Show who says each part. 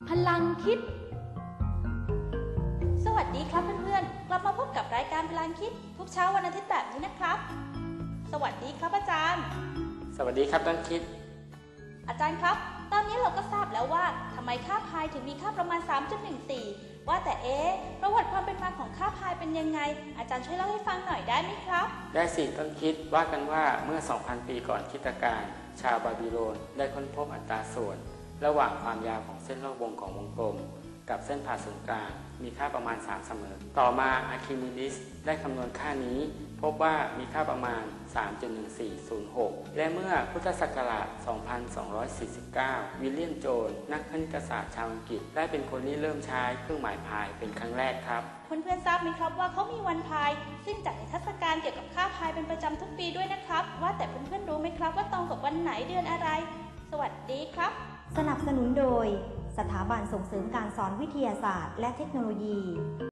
Speaker 1: พลังคิดสวัสดีครับเพื่อนๆกลับมาพบกับรายการพลังคิดทุกเช้าวันอาทิตย์แบบนี้นะครับสวัสดีครับอาจารย์
Speaker 2: สวัสดีครับต้นคิด
Speaker 1: อาจารย์ครับตอนนี้เราก็ทราบแล้วว่าทำไมค่าพายถึงมีค่าประมาณ 3.14 ว่าแต่ประวัติความเป็นมาของค่าพายเป็นยังไงอาจารย์ช่วยเล่าให้ฟังหน่อยได้ไหมครับ
Speaker 2: ได้สิต้นคิดว่ากันว่าเมื่อ 2,000 ปีก่อนคริสตกาลชาวบาบิโลนได้ค้นพบอัตราส่วนระหว่างความยาวของเส้นรอบวงของวงกลมกับเส้นผ่าศูนย์กลางมีค่าประมาณ3เสมอต่อมาอาร์คิมิดีสได้คำนวณค่านี้พบว่ามีค่าประมาณ 3.1406 และเมื่อพุทธศักราช 2249 วิลเลียมโจนส์นักคณิตศาสตร์ชาวอังกฤษได้เป็นคนที่เริ่มใช้เครื่องหมายพายเป็นครั้งแรกครับ
Speaker 1: เพื่อนๆทราบไหมครับว่าเขามีวันพายซึ่งจัดนิทรรศการเกี่ยวกับค่าพายเป็นประจำทุกปีด้วยนะครับว่าแต่เพื่อนๆรู้ไหมครับว่าตรงกับวันไหนเดือนอะไรสวัสดีครับ
Speaker 3: สนับสนุนโดยสถาบันส่งเสริมการสอนวิทยาศาสตร์และเทคโนโลยี